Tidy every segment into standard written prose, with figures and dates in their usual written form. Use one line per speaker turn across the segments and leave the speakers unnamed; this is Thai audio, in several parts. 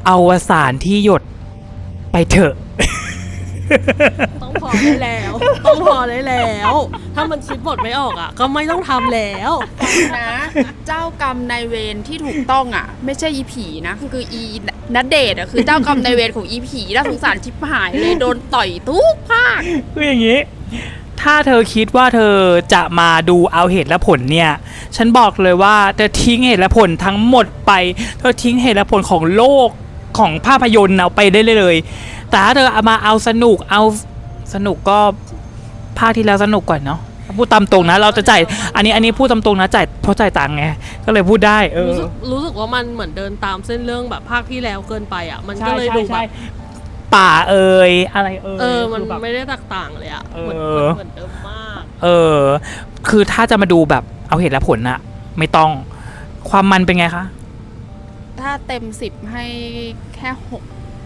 อวสานที่หยดไปเถอะ
ต้องพอได้แล้ว ต้องพอได้แล้ว ถ้ามันคิดบทไม่ออกอ่ะ ก็ไม่ต้องทำแล้ว
นะเจ้ากรรมนายเวรที่ถูกต้องอ่ะ ไม่ใช่อีผีนะคืออีณเดชน์อ่ะคือเจ้ากรรมนายเวรของอีผีน่าสงสารชิบหายเลยโดนต่อยทุกภาค
คืออย่างนี้ ถ้าเธอคิดว่าเธอจะมาดูเอาเหตุและผลเนี่ยฉันบอกเลยว่าเธอทิ้งเหตุและผลทั้งหมดไปเธอทิ้งเหตุและผลของโลกของภาพยนตร์เอาไปได้เลยแต่ถ้าเธอเอามาเอาสนุกก็ภาคที่แล้วสนุกกว่าเนาะพูดตามตรงนะเราจะจ่ายอันนี้พูดตามตรงนะจ่ายเพราะจ่ายตังค์ไงก็เลยพูดได้
รู้สึกว่ามันเหมือนเดินตามเส้นเรื่องแบบภาคที่แล้วเกินไปอ่ะมันก็เลยดูแบบ
ป่าอะไร
มันไม่ได้แตกต่างเลยอ่ะเหมือนเดิมมาก
คือถ้าจะมาดูแบบเอาเหตุและผลน่ะไม่ต้องความมันเป็นไงคะ
ถ้าเต็ม10ให้แค่6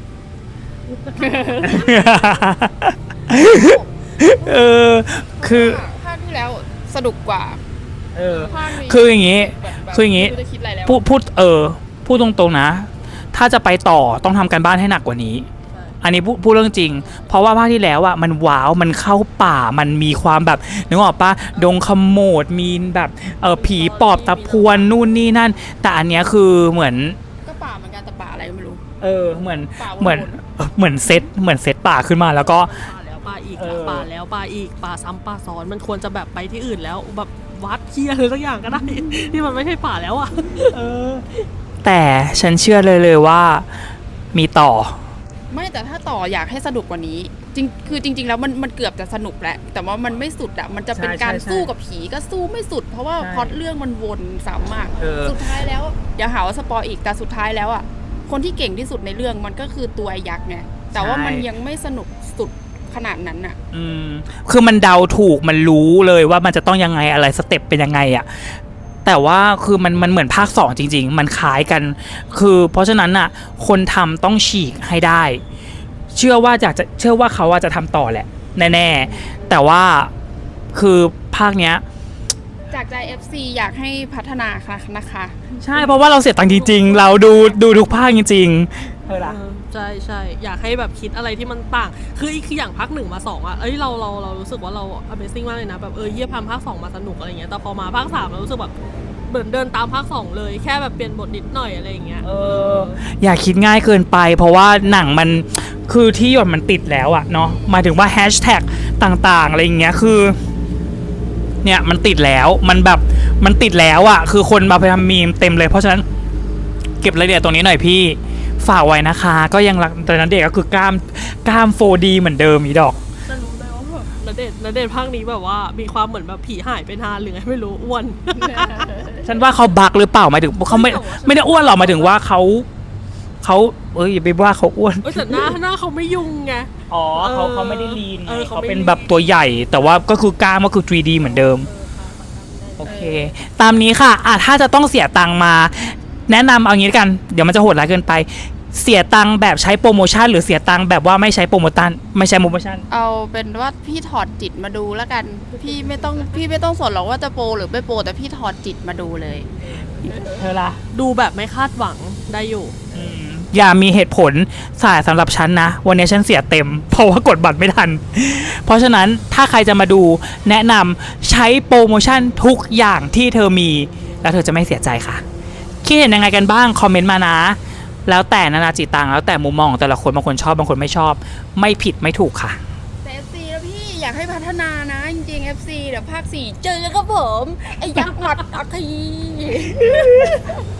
คือ
ภาคที่แล้วสนุกกว่า
คืออย่างงี้พูดตรงๆนะถ้าจะไปต่อต้องทำการบ้านให้หนักกว่านี้อันนี้พูดเรื่องจริงเพราะว่าภาคที่แล้วอ่ะมันว้าวมันเข้าป่ามันมีความแบบนึกออกปะดงขโมดมีแบบผีปอบตะพวนนู่นนี่นั่นแต่อันเนี้ยคือเหมือน
ก็ป่าเหมือนกันแต่ป่าอะไรไม่รู้
เหมือนเซตป่าขึ้นมาแล้วก็
ป่าอีกป่าแล้วป่าอีกป่าซ้ำป่าซ้อนมันควรจะแบบไปที่อื่นแล้วแบบวัดเคียอะไรสักอย่างก็ได้ที่มันไม่ใช่ป่าแล้วอ่ะ
แต่ฉันเชื่อเลยว่ามีต่อ
ไม่แต่ถ้าต่ออยากให้สนุกกว่านี้จริงแล้วมันเกือบจะสนุกแหละแต่ว่ามันไม่สุดอ่ะมันจะเป็นการสู้กับผีก็สู้ไม่สุดเพราะว่าพล็อตเรื่องมันวนซ้ำมากสุดท้ายแล้วอย่าหาว่าสปอยอีกแต่สุดท้ายแล้วอ่ะคนที่เก่งที่สุดในเรื่องมันก็คือตัวยักษ์ไงแต่ว่ามันยังไม่สนุกสุดขนาดนั้นอ่ะ
คือมันเดาถูกมันรู้เลยว่ามันจะต้องยังไงอะไรสเต็ปเป็นยังไงอ่ะแต่ว่าคือมันเหมือนภาค2จริงๆมันคล้ายกันคือเพราะฉะนั้นน่ะคนทำต้องฉีกให้ได้เชื่อว่าเขาจะทำต่อแหละแน่ๆแต่ว่าคือภาคเนี้ย
จากใจ FC อยากให้พัฒนาค่ะนะคะ
ใช่เพราะว่าเราเสียตังค์จริงๆเราดูทุกภาคจริง
ๆใช่อยากให้แบบคิดอะไรที่มันต่างคืออย่างภาค1มา2อ่ะเรารู้สึกว่าเรา Amazing มากเลยนะแบบเยี่ยมภาค2มาสนุกอะไรเงี้ยแต่พอมาภาค3เรารู้สึกแบบเหมือนเดินตามภาค2เลยแค่แบบเปลี่ยนบทนิดหน่อยอะไรอย่างเงี้ย
อย่าคิดง่ายเกินไปเพราะว่าหนังมันคือที่หยดมันติดแล้วอะเนาะหมายถึงว่าแฮชแท็กต่างๆอะไรอย่างเงี้ยคือเนี่ยมันติดแล้วมันติดแล้วอะคือคนมาไปทำมีมเต็มเลยเพราะฉะนั้นเก็บรายละเอียดตรงนี้หน่อยพี่ฝากไว้นะคะก็ยังรักแต่นั้นเด็กก็คือกล้าม 4D เหมือนเดิมอีดอก
จะรู้เลยว่าแบบณเดชน์ภาคนี้แบบว่ามีความเหมือนแบบผีหายไปนานหรือไงไม่รู้อ้วน
ฉันว่าเขาบักหรือเปล่าหมายถึงเขาไม่ได้อ้วนหรอกหมายถึงว่าเขาอย่าไปว่าเขาอ้วน
แต่หน้าเขาไม่ยุ่งไง
เขาไม่ได้ลีนเขาเป็นแบบตัวใหญ่แต่ว่าก็คือกล้ามก็คือ 3D เหมือนเดิมโอเคตามนี้ค่ะถ้าจะต้องเสียตังค์มาแนะนำเอางี้กันเดี๋ยวมันจะโหดร้ายเกินไปเสียตังค์แบบใช้โปรโมชั่นหรือเสียตังค์แบบว่าไม่ใช้โปรโมชั่น
เอาเป็นว่าพี่ถอดจิตมาดูแล้วกันพี่ไม่ต้องสนหรอกว่าจะโปรหรือไม่โปรแต่พี่ถอดจิตมาดูเลย
เธอล่ะ
ดูแบบไม่คาดหวังได้อยู่
อย่ามีเหตุผลสำหรับฉันนะวันนี้ฉันเสียเต็มเพราะว่ากดบัตรไม่ทันเพราะฉะนั้นถ้าใครจะมาดูแนะนำใช้โปรโมชั่นทุกอย่างที่เธอมีแล้วเธอจะไม่เสียใจค่ะคิดเห็นยังไงกันบ้างคอมเมนต์มานะแล้วแต่นานาจิตตังแล้วแต่มุมมองของแต่ละคนบางคนชอบบางคนไม่ชอบไม่ผิดไม่ถูกค่ะ
แต่ FC แล้วพี่อยากให้พัฒนานะจริงๆ FC เดี๋ยวภาค4เจอกันครับผมไอ้ยักษ์หมัดอัคคี